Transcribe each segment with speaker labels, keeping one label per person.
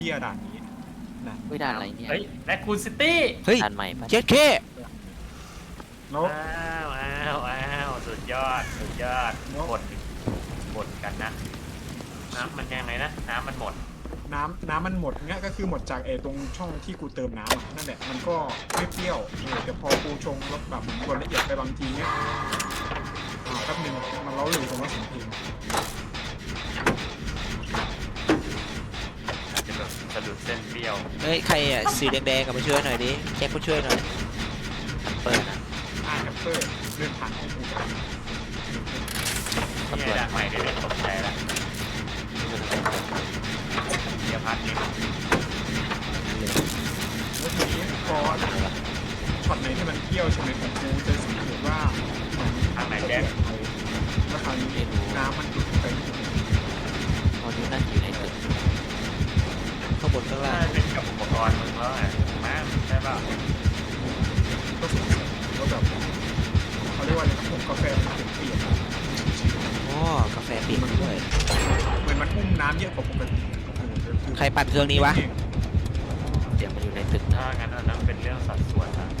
Speaker 1: เที่ยด่านนี้นะ
Speaker 2: ไม่ด่านอะไรเนี่ย
Speaker 3: เฮ้ยแรคคูนซิตี้
Speaker 4: เฮ้ย
Speaker 2: ด่านใหม่ปะ
Speaker 4: เจ็ดเค
Speaker 1: แล้ว
Speaker 3: อ้าวสุดยอดบ่นกันนะน้ำมันยังไงนะน้ำมันหมด
Speaker 1: น้ำมันหมดเงี้ยก็คือหมดจากตรงช่องที่กูเติมน้ำอะนั่นแหละมันก็ไม่เปรี้ยวแต่พอกูชงแล้วแบบกดละเอียดไปบางทีเนี้ยแป๊บนึงมันเล้าหรือผมว่าเสียงเพลง
Speaker 3: อาจจะแบบสะดุดเส้นเปรี้ยว
Speaker 4: เฮ้ย ใครอ่ะ สีแดงๆกับมาช่วยหน่อยดิแจ็คมาช่วยหน่อย
Speaker 2: เปิดนะ
Speaker 1: แอปเปิลเลื่อนผ่านของกูกัน
Speaker 3: นี่ด่านใหม่เดี๋ยวตกใจแล้วเดี๋ยวพักนิด
Speaker 1: แล้วทีนี้พอช็อตไหนที่มันเปรี้ยวใช่ไหมของกูจะสังเกตว่าเหมือน
Speaker 3: ทางไหนแจ๊ค
Speaker 1: แล้วคราวนี้น้ำมันหยุดไป
Speaker 2: ตอนนี้น่าจะอยู่ในตึก
Speaker 4: ข้างบนข้างล่าง
Speaker 3: น่าเป็นกับอุปกรณ์มึงแล้วไงมาใช่ป่ะ
Speaker 1: ก็สงสัยว่าแบบเขาเรียกว่าอะไรนะผงกาแฟมันเปลี่ยน
Speaker 4: อ๋อกาแฟปิดด้วย
Speaker 1: เหมือนมันอุ้มน้ำเยอะกว่าปกติ
Speaker 4: ใครปั่นเครื่องนี้วะ
Speaker 2: เดี๋ยวมันอยู่ในตึก
Speaker 3: ถ้างั้นอันนั้นเป็นเรื่องสัดส่วนนะ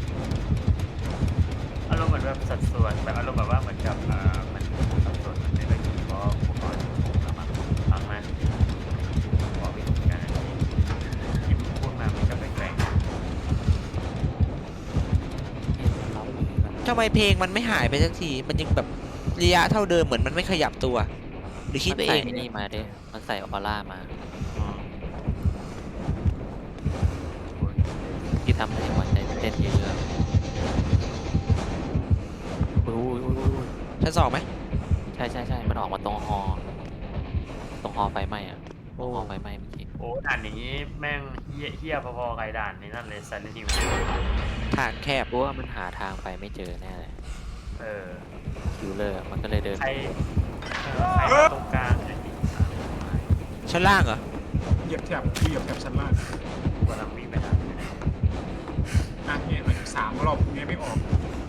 Speaker 3: อารมณ์เหมือนแบบสัดส่วนแบบอารมณ์แบบว่าเหมือนกับมันสัดส่วนมันไม่ได้เพราะอุปกรณ์มาฟังมาบอกวิธีการที่พูดมามันก็แปลก
Speaker 4: ทำไมเพลงมันไม่หายไปสักที มันยังแบบระยะเท่าเดิมเหมือนมันไม่ขยับตัว หรือคิดไป
Speaker 2: มัน
Speaker 4: เอ
Speaker 2: ใส่
Speaker 4: ง
Speaker 2: นี่มาด้วยมันใส่ออร่ามาที่ทำให้หัวใจเต้นเยอะๆอุ้ย
Speaker 4: ชั้นสองไหม
Speaker 2: ใช่มันออกมาตรงฮอไฟไหม้อะตรงฮอไฟไหม้เมื่อกี้
Speaker 3: โอ้ด่านนี้แม่งเฮี้ยพอๆกับด่านนี้นั่นเลยซันนี่จริง
Speaker 4: ทางแคบ
Speaker 2: รู้ว่ามันหาทางไปไม่เจอแน่เลย
Speaker 3: เออ
Speaker 2: คิวเลอร์มันก็เลยเดิน
Speaker 3: ใครมาตรงกลางไอ้
Speaker 4: ชั้นล่างเหรอ
Speaker 1: เหยียบแถบชั้นล่าง
Speaker 3: กำลังวิ่งไปหา
Speaker 1: เนี่ยมัน3 รอบเนี้ยไม่ออก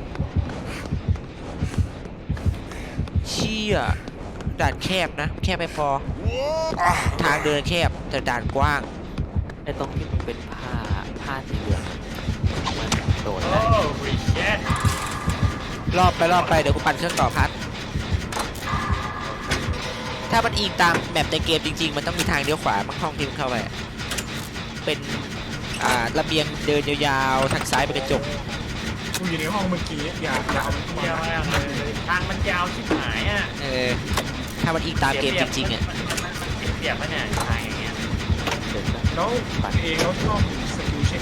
Speaker 4: เชี่ยด่านแคบนะ แคบไม่พอ ทางเดินแคบแต่ด่านกว้าง
Speaker 2: ไอ้ตรงที่มันเป็นผ้าสีเหลืองมันโดด
Speaker 3: โอ้
Speaker 2: ได้
Speaker 3: ริเชต
Speaker 4: รอบไปเดี๋ยวกูปั่นเครื่องต่อพัด ถ้ามันอิงตามแมปในเกมจริงๆ มันต้องมีทางเลี้ยวขวาบางห้องที่มันเข้าไปอะเป็นระเบียงเดินยาวๆทางซ้ายเป็นกระจก
Speaker 1: กูอยู่ในห้องเมื่อกี้อย่าเอามันเข้า
Speaker 3: เยี่ยม
Speaker 1: มาม
Speaker 3: ากเลยทางมันยาวชิบหายอ่ะ
Speaker 4: ถ้ามันอิงตามเกมจริงๆอ่ะ
Speaker 3: มันเปียกปะเนี่ยทางอย่างเงี้ย
Speaker 2: เดินได้
Speaker 1: แล้วแล้วชอบสกิลเช็ค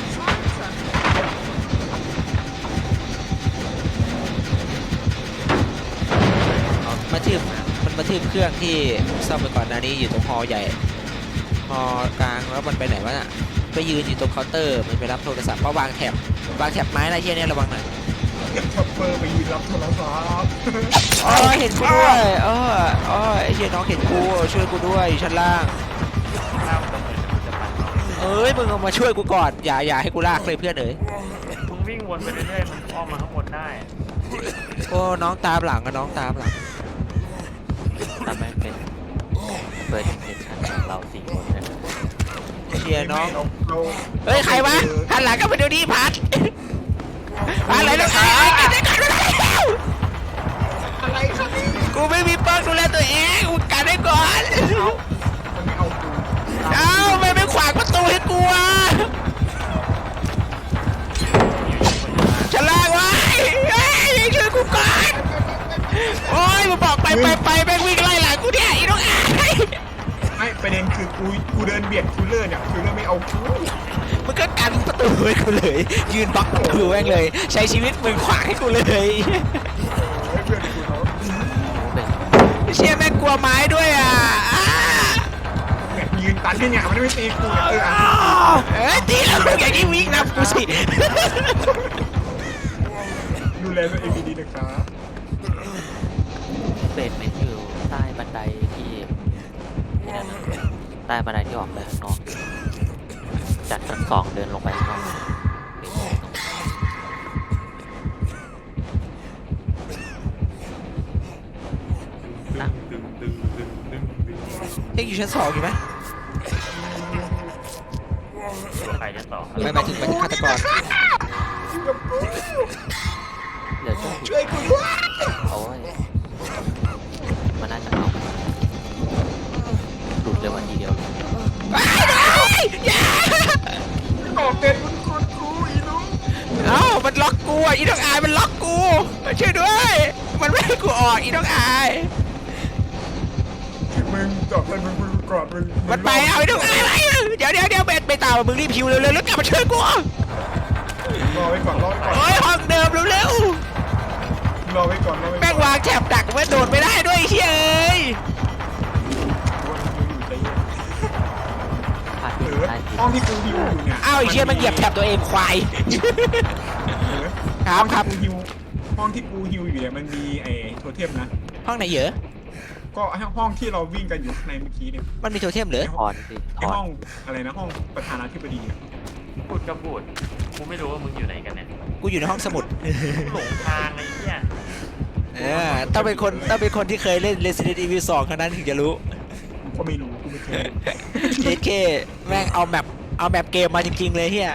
Speaker 4: มันมาทืบเครื่องที่ซ่อมไปก่อนหน้านี้อยู่ตรงฮอใหญ่ฮอกลางแล้วมันไปไหนวะน่ะไปยืนอยู่ตรงเคาน์เตอร์มันไปรับโทรศัพท์เพราะวางแถบไม้อะไรเชี่ยเนี่ยระวังหน่อย
Speaker 1: ทัพเปอร์ไปยืนรับโทรศัพท์
Speaker 4: อ๋อเห็นกูด้วยไอ้เชี่ยน้องเห็นกูช่วยกูด้วยอยู่ชั้นล่าง
Speaker 3: ข้าวตรงเลยจะปั่น
Speaker 4: เอ้ยมึงเอามาช่วยกูก่อนอย่าให้กูลากเลยเพื่อนเอ๋ย
Speaker 3: มึงวิ่งวนไปเรื่อยๆมันอ้อมมาข้างบนได้
Speaker 4: โอ้น้องตามหลังอะน้องตามหลัง
Speaker 2: ทำให้เป็นเปิดอินเทนชั่นของเรา4 คนนะ
Speaker 4: เชียร์น้อง
Speaker 1: เรา
Speaker 4: เฮ้ยใครวะหันหลังกันไปเดี๋ยวนี้พัดอะไรแล้ว
Speaker 1: อะไรครับนี่
Speaker 4: กูไม่มีเปิ้ลดูแลตัวเองกูกันได้ก่อน
Speaker 1: มันไม่เอากู
Speaker 4: ไม่ขวางประตูให้กูอ่ะฉลากไว้เฮ้ยช่วยกูก่อนโอ้ยมึงบอกไปแม่งวิ่งไล่หลังกูเนี่ยอีน้องไอ้
Speaker 1: ไม่ประเด็นคือกูเดินเบียดคิลเลอร์เนี่ยคิลเลอร์ไม่เอากู
Speaker 4: มึงก็กันประตูให้กูเลยยืนบล็อกประตูแม่งเลยใช้ชีวิตมึงขวางให้กูเลย
Speaker 1: เพื่อนกูเขา
Speaker 2: เป็น
Speaker 4: เชี่ยแม่งกลัวไม้ด้วยอ่ะ
Speaker 1: เนี่ยยืนตันที่เนี่ยมันไม่ตีกู
Speaker 4: ตีแล้วมึงอย่างนี้วิ่งนะกูสิ
Speaker 1: ดูแลตัวเองดีๆนะครับ
Speaker 2: เป็นเมนอยู่ใต้บันไดที่นั่นนะใต้บันไดที่ออกไปข้างนอกจากชั้น2เดินลงไปข้างนอกนะ
Speaker 4: ยังอยู่ชั้น2อยู่ไหม
Speaker 3: ตัวใครชั้นสอง
Speaker 4: ไม่หมายถึงมันฆาตกร
Speaker 1: กับกู
Speaker 2: เดี๋ยวจะ
Speaker 1: ช่วยกูด้วย
Speaker 2: โอ้ยมันน่าจะเอาหลุดเลยวันทีเดียว
Speaker 1: ก่อเป็นคุณคนกูอีน้อง
Speaker 4: เอ้ามันล็อกกูอ่ะอีน้องอายมันล็อกกูช่วยด้วย มันไม่ให้กูออกอีน้องอาย
Speaker 1: มึงก่อเป็นมึงกอดมึง
Speaker 4: มันไปเอาอีน้องอายไปเดี๋ยวเบนไปตามมึงรีบพิวเร็วๆแล้วกลับมาช่วยกู
Speaker 1: รอไว้ก่อนรอไว้ก่อน
Speaker 4: โอ้ยห้องเดิมเร็ว
Speaker 1: รอไว้ก่อนรอไว้
Speaker 4: ๆแม่งวางแถบดักไว้โดดไม่ได้ด้วยไอ้เฮ้ย
Speaker 2: พลาด
Speaker 1: เอ
Speaker 2: ผิด
Speaker 1: อ
Speaker 2: ได้ผิด
Speaker 1: ห้องที่กูฮิวอยู่เนี่ย
Speaker 4: อ้าวไอ้เชี่ยมันเหยียบแถบตัวเองควาย ครับครับ
Speaker 1: ห้องที่กูฮิวอยู่เนี่ยมันมีไอ้โทเทมนะ
Speaker 4: ห้องไหนเหรอ
Speaker 1: ก็ห้องที่เราวิ่งกันอยู่ในเมื่อกี้เนี่ย
Speaker 4: มันมีโทเทมเหรอ
Speaker 2: ถอนสิถ
Speaker 1: ไอ้
Speaker 2: อน
Speaker 1: ห้องอะไรนะห้องประธานาธิบดีอะ
Speaker 3: พูดก็พูดกูไม่รู้ว่ามึงอยู่ไหนกันเนี่ย
Speaker 4: กูอยู่ในห้องสมุด
Speaker 3: หลงทางไอ้เหี้ย
Speaker 4: ต้องเป็นคนที่เคยเล่น Resident Evil 2เท่านั้นถึงจะรู้
Speaker 1: กูก็ไม่รู้กูไม่เคย
Speaker 4: JK แม่งเอาแมปเกมมาจริงๆเลยเฮีย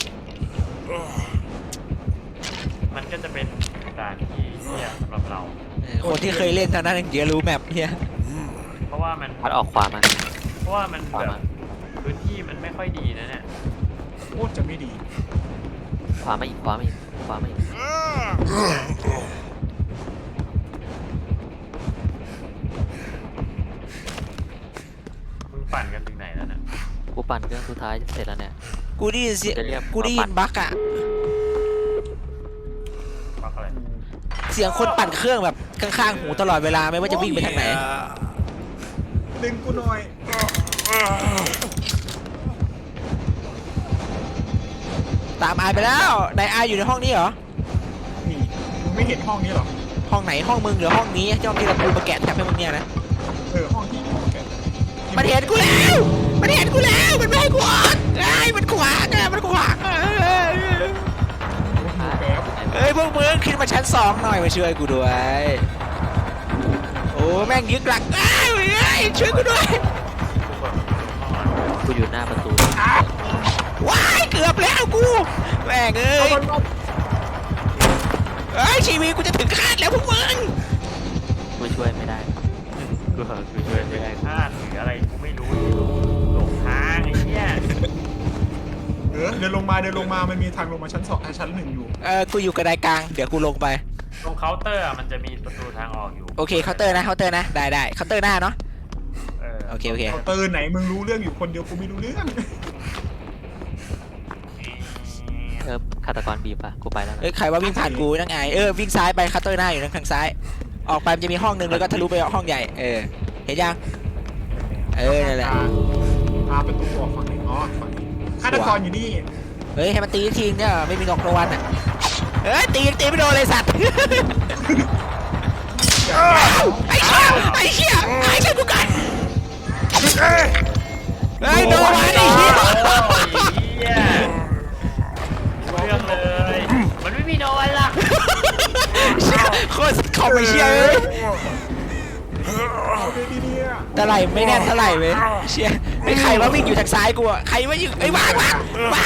Speaker 3: มันก็จะเป็นด่านที่เหี้ยสำหรับเรา
Speaker 4: คนที่เคยเล่นเท่านั้นถึงจะรู้แมปเฮีย
Speaker 3: เพราะว่ามัน
Speaker 2: พัดออกขวามา
Speaker 3: เพราะว่ามัน
Speaker 2: ขวา
Speaker 3: แบ
Speaker 2: มา
Speaker 3: บพื้นที่มันไม่ค่อยดีนะเนี่ย
Speaker 1: โคตรจะไม่ดี
Speaker 2: ขวามาอีกขวามาอีกขวามาอีก
Speaker 3: มึงปั่นกันถึงไหนแล้วเนี่ย
Speaker 2: กูปั่นเครื่องสุดท้ายเสร็จแล้วเนี่ย
Speaker 4: กูได้ยินเสียง
Speaker 2: จะเรียก
Speaker 4: กูได้ยินบั๊กอะ
Speaker 3: ปักอะไร
Speaker 4: เสียงคนปั่นเครื่องแบบข้างๆหูตลอดเวลาไม่ว่าจะวิ่งไปทางไหน
Speaker 1: ดึงกูหน่อย
Speaker 4: ตามอายไปแล้วนายอายอยู่ในห้องนี้เหรอ
Speaker 1: นี่มึงไม่เห็นห้องนี้หรอ
Speaker 4: ห้องไหนห้องมึงหรือห้องนี้เจ้าที่เราปูมาแกะแทบให้มึงเนี่ยนะ
Speaker 1: ห้องที่แก
Speaker 4: มันเห็นกูแล้ว มันเห็นกูแล้ว มันไม่ให้กูออกไอ้มันขวางอะมันขวางอะ
Speaker 1: แป๊บ
Speaker 4: เอ้ยพวกมึงขึ้นมาชั้น2หน่อยมาช่วยกูด้วย โอ้แม่งยึกหลักอ้าวเอ้ยช่วยกูด้วย
Speaker 3: กูแบบห้องอ่ะ
Speaker 2: กูอยู่หน้าประตู
Speaker 4: ว้ายเกือบแล้วกูแม่งเอ้
Speaker 1: เอา
Speaker 4: ย
Speaker 1: มันเอา
Speaker 4: เอ้ยชีวิตกูจะถึงคาดแล้วพวกมึง
Speaker 2: กูช่วยไม่ได้
Speaker 3: กูช่วยไม่ได้พลาดหรืออะไรกูไม่รู้หลงทางไอ้เหี้ย
Speaker 1: เดินลงมามันมีทางลงมาชั้น2ชั้น1อยู่
Speaker 4: กูอยู่กระไดกลางเดี๋ยวกูลงไป
Speaker 3: ตรงเคาน์เตอร์อะมันจะมีประตูทางออกอยู่
Speaker 4: โอเคเคาน์เตอร์นะเคาน์เตอร์นะได้เคาน์เตอร์หน้าเนาะ โอเค
Speaker 1: เคาน์เตอร์ไหนมึงรู้เรื่องอยู่คนเดียวกูไม่รู้เรื่อง
Speaker 2: ฆาตกรบีบอ่ะกูไปแล้วนะ
Speaker 4: เอ้ยใครว่าวิ่งผ่านกูนั่งไงวิ่งซ้ายไปเคาน์เตอร์หน้าอยู่ทางซ้าย ออกไปมันจะมีห้องนึงแล้วก็ทะลุไปห้องใหญ่เห็นยังนั่นแหละ
Speaker 1: พาประตูออกฝั่งไหนอ๋อฝั่งนี้ฆาตกรอยู่นี่
Speaker 4: เฮ้ยให้มันตีทีเนี่ยไม่มีงอกรางวัลอ่ะเฮ้ยตีไม่โดนเลยสัตว์ ไอ้เชี่ยช่วยกูกันเฮ้ยโดนไอ้เหี้ย
Speaker 3: เหี้ยเรื่องเลย มันไม่มีโดนล่ะ
Speaker 4: โคตรคอมไม่เชี่ยเลย
Speaker 1: เอาไปดีเนี่ย
Speaker 4: เท่าไหร่ไม่แน่นเท่าไหร่เว้ยเชี่ยไอ้ใครว่าวิ่งอยู่ทางซ้ายกูอ่ะใครว่าอยู่ไอ้วาง
Speaker 2: พลาด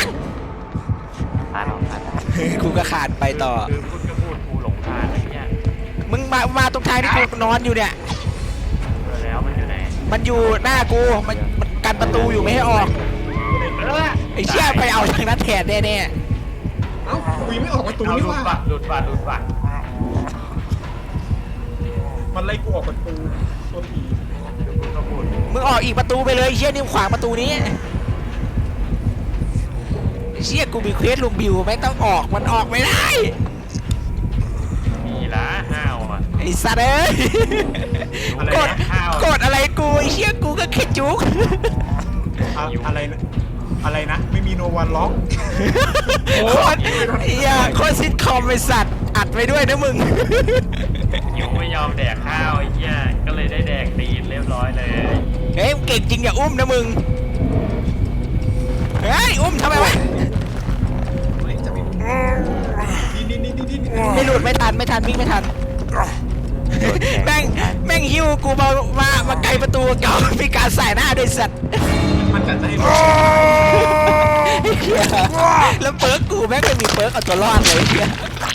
Speaker 2: ออกพลาด
Speaker 4: กูก็ขาดไปต่อ
Speaker 3: คือพูดก็พูดกูหลงทางไอ้เหี้ย
Speaker 4: มึงมาตรงทางที่กูนอนอยู่เนี่ย
Speaker 3: เจอแล้วมันอยู่ไหน
Speaker 4: มันอยู่หน้ากูมันกันประตูอยู่ไม่ให้ออก ไอ้เชี่ยไปเอาทางนั้นแทนแน่
Speaker 1: เอ้ากูยังไม่ออกประตู
Speaker 3: เอา
Speaker 1: นี่
Speaker 3: หลุด
Speaker 1: ว่า
Speaker 3: บัตรหลุดบัตรหลุดบัตร
Speaker 1: มันไล่กูออกประตูตัวผี
Speaker 3: พูดก็พูด
Speaker 4: ๆมึงออกอีกประตูไปเลยไอ้เชี่ยนี่ขวางประตูนี้ไอ้เชี่ยกูมีเควสลุงบิวแม่งต้องออกมันออกไม่ได้
Speaker 3: มีละห้าวอ่ะ
Speaker 4: ไอ้สัตว์เอ้ย
Speaker 3: อะไร
Speaker 4: กด
Speaker 3: นะห้าว
Speaker 4: กดอะไรกูไอ้เชี่ยกูก็แค่จุก
Speaker 1: อะไรนะไม่มีโนวันล็อก
Speaker 4: โคตรโคตรซิทคอมไอ้สัตว์อัดไปด้วยนะมึง
Speaker 3: ยูไม่ยอมแดกข้าวไอ้เหี้ยก็เลยได้แดกตีนเรียบร้อยเลย
Speaker 4: เฮ้ยเก่งจริงอย่าอุ้มนะมึงเฮ้ยอุ้มทำไมวะ
Speaker 1: นี่
Speaker 4: ไม่หลุดไม่ทันวิ่งไม่ทันแม่งหิ้วกูมาไกลประตูเก่ามีการใส่หน้าด้วยสัตว์
Speaker 1: มันจะให้
Speaker 4: ไอ้แล้วเปิร์กกูแม่งไม่มีเปิร์กเอาตัวรอดเลยเนี่ย